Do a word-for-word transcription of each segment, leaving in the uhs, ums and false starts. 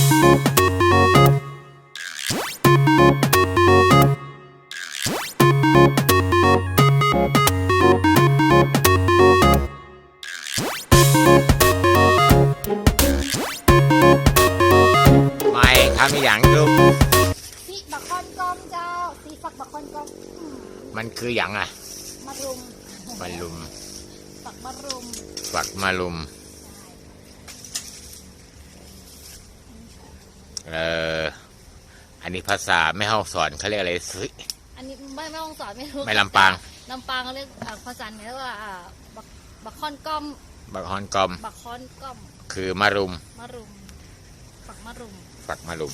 ไม่ทำอย่างลูกสีบักคอนกอมเจ้าสีฝักบักคอนกอมมันคืออย่างอ่ะมะรุมมะรุมฝักมะรุมฝักมะรุมเอ่ออันนี้ภาษาแม่ฮ่องสอนเขาเรียกอะไรสิอันนี้ไม่ไม่ฮ่องสอนไม่รู้ไม่ลำปางลำปางเขาเรียกภาษาเหนือว่าบักบักคอนกอมบักฮอนกอมบักคอนกอมคือมะรุมมะรุมฝักมะรุมฝักมะรุม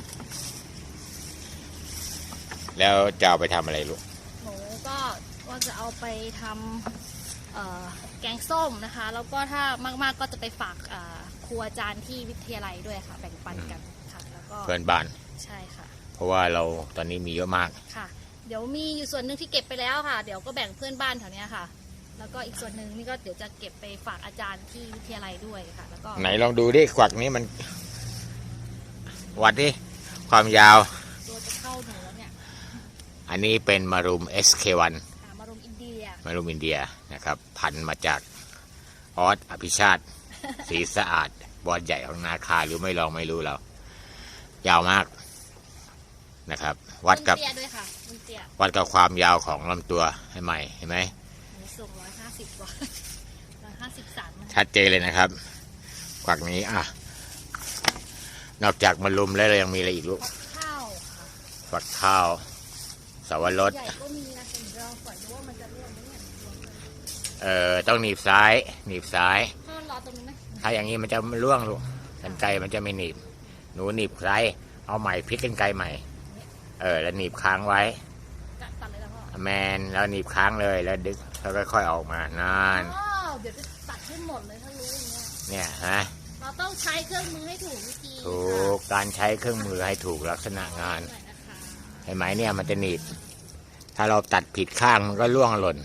แล้วจะเอาไปทำอะไรลูกหนูก็ว่าจะเอาไปทำแกงส้มนะคะแล้วก็ถ้ามากๆก็จะไปฝากครูอาจารย์ที่วิทยาลัยด้วยค่ะแบ่งปันกันค่ะแล้วก็เพื่อนบ้านใช่ค่ะเพราะว่าเราตอนนี้มีเยอะมากค่ะเดี๋ยวมีอยู่ส่วนหนึ่งที่เก็บไปแล้วค่ะเดี๋ยวก็แบ่งเพื่อนบ้านแถวนี้ค่ะแล้วก็อีกส่วนหนึ่งนี่ก็เดี๋ยวจะเก็บไปฝากอาจารย์ที่วิทยาลัยด้วยค่ะแล้วก็ไหนลองดูดิขวักนี้มันวัดดิความยาวตัวจะเข้าหนูแล้วเนี่ยอันนี้เป็นมะรุม เอส เค วันมะรุมอินเดียมะรุมอินเดียนะครับพันธุ์มาจากออสอภิชาติสีสะอาดบอลใหญ่ของนาคาหรือไม่ลองไม่รู้เรายาวมากนะครับวัดกับวัดกับความยาวของลำตัวให้ใหม่เห็นไหมสูงร้อยห้าสิบกว่าร้อยห้าสิบสามชัดเจนเลยนะครับขวักนี้อ่ะนอกจากมะรุมแล้วเรายังมีอะไรอีกลูกข้าวฝักข้าวสวรสใหญ่ก็มีนะเป็นรองก่อนดูว่ามันจะร่วงไหมเนี่ยเอ่อต้องหนีบซ้ายหนีบซ้ายถ้ารอตรงนี้ไหมถ้าอย่างนี้มันจะร่วงลูกกรรไกรมันจะไม่หนีบหนูหนีบซ้ายเอาใหม่พลิกกรรไกรใหม่เออแล้วหนีบค้างไว้ตัดเลยแล้วพ่อแมนแล้วหนีบค้างเลยแล้วดึงแล้วค่อยๆออกมานานเดี๋ยวจะตัดให้หมดเลยถ้ารู้อย่างเงี้ยเนี่ยฮะเราต้องใช้เครื่องมือให้ถูกวิธีถูกการใช้เครื่องมือให้ถูกลักษณะงานเห็นไหมเนี่ยมันจะหนีบถ้าเราตัดผิดข้างมันก็ร่วงหล่น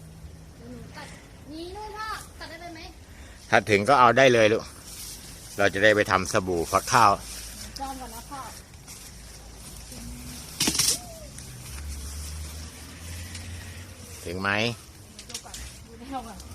นี่นู่นพ่อตัดได้เลยไหมถ้าถึงก็เอาได้เลยลูกเราจะได้ไปทำสบู่ฟักข้าวจอมก่อนนะพ่อถึงไหมดูก่อนดูในห้องก่อน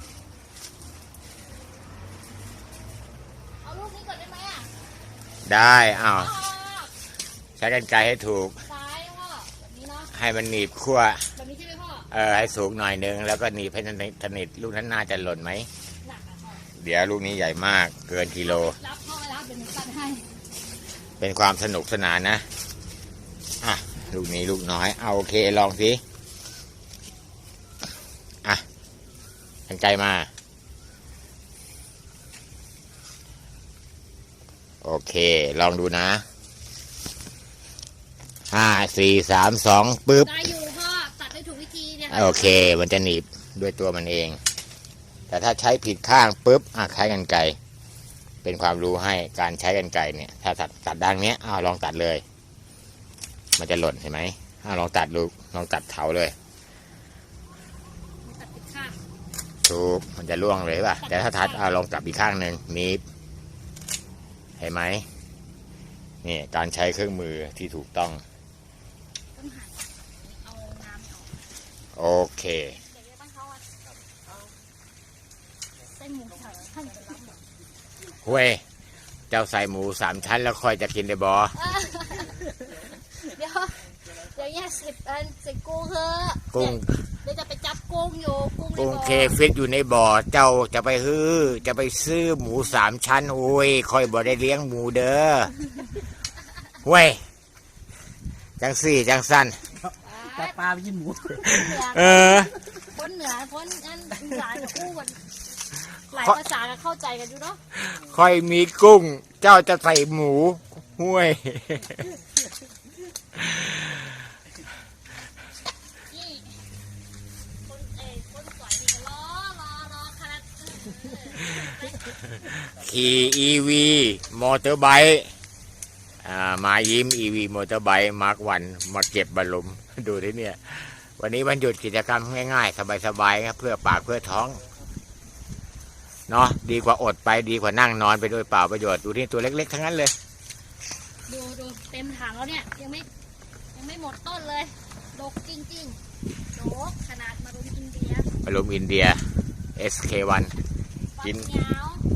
เอาลูกนี้ก่อนได้ไหมอ่ะได้อ้าวใช้กรรไกรให้ถูกซ้ายพ่อแบบนี้เนาะให้มันหนีบขั้วแบบนี้ใช่ไหมพ่อเออให้สูงหน่อยนึงแล้วก็หนีบให้สนิทลูกนั้นน่าจะหล่นไหมหนักอ่ะพ่อเดี๋ยวลูกนี้ใหญ่มากเกินกิโลรับพ่อรับเป็นตัดให้เป็นความสนุกสนานนะอ่ะลูกนี้ลูกน้อยเอาโอเคลองสิอ่ะกรรไกรมาโอเคลองดูนะห้าสี่สามสองปึ๊บได้อยู่พ่อตัดให้ถูกวิธีเนี่ยโอเคมันจะหนีบด้วยตัวมันเองแต่ถ้าใช้ผิดข้างปึ๊บอ่ะใช้กรรไกรเป็นความรู้ให้การใช้กรรไกรเนี่ยถ้าตัดตัดด้านนี้อ้าวลองตัดเลยมันจะหล่นเห็นไหมอ้าวลองตัดดูลองตัดเถาเลยตัดผิดข้างถูกมันจะร่วงเลยป่ะแต่ถ้าตัดอ้าวลองตัดอีกข้างหนึ่งหนีบเห็นไหมนี่การใช้เครื่องมือที่ถูกต้องโอเคเว้ยเจ้าใส่หมูสามชั้นแล้วค่อยจะกินได้บ่เดี๋ยวเดี๋ยวแยกสิบอันสิกุ้งเถอะกุ้งเดี๋ยวจะไปจับกุ้งอยู่กุ้งกุ้งเคฟิตอยู่ในบ่อเจ้าจะไปฮื้อจะไปซื้อหมูสามชั้นโอ้ยค่อยบ่ได้เลี้ยงหมูเด้อเว้ยจังสี่จังสั้นจับปลาไปยินหมูเออคนเหนือคนอันอีสานคู่กันหลายภาษาก็เข้าใจกันอยู่เนาะค่อยมีกุ้งเจ้าจะใส่หมูห้วยขี่ อี วี มอเตอร์ไบค์มายิ้ม อี วี มอเตอร์ไบค์มาร์ควันมาเก็บบอลลูนดูที่เนี่ยวันนี้วันหยุดกิจกรรมง่ายๆสบายๆครับเพื่อปากเพื่อท้องเนาะดีกว่าอดไปดีกว่านั่งนอนไปโดยเปล่าประโยชน์ดูที่ตัวเล็กๆทั้งนั้นเลยดูดูเต็มถังแล้วเนี่ยยังไม่ยังไม่หมดต้นเลยดกจริงๆดกขนาดมารุมอินเดียอารมณ์อินเดีย เอส เค วัน กินฝักยาว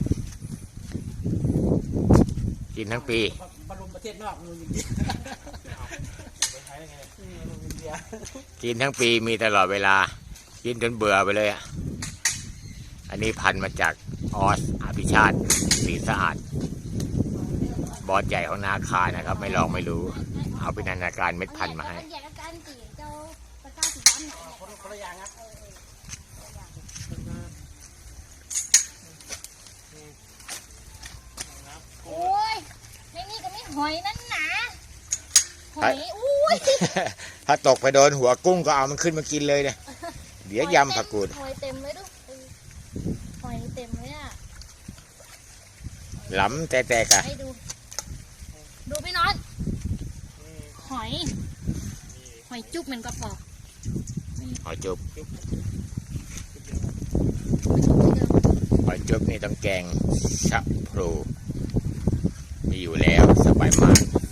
กินทั้งปีบรรลุประเทศนอกมืออย่างนี้อืมอินเดียกินทั้งปีมีตลอดเวลา กินจนเบื่อไปเลยอ่ะ อันนี้พันธุ์มาจากออสอภิชาติศรีสะอาด บอสใหญ่ของนาคานะครับ ไม่ลองไม่รู้ เอาเป็นนานาการเม็ดพันธุ์มาให้แยกกันสิเจ้าตะกร้าสีดำเนี่ยคนคนละอย่างครับโอ้ยในนี่ก็ไม่หอยนั่นหนาหอยอุ้ยถ้าตกไปโดนหัวกุ้งก็เอามันขึ้นมากินเลยเนี่ย เดี๋ยวยำผักกูดหอยเต็มเลยดูหอยเต็มเลยอ่ะหล้ำแต่แต่กะให้ดู ดูพี่น็อตหอย หอยจุ๊บเหมือนกระป๋องหอยจุบหอยจุบนี่ต้องแกงชะพลูมีอยู่แล้วสบายมาก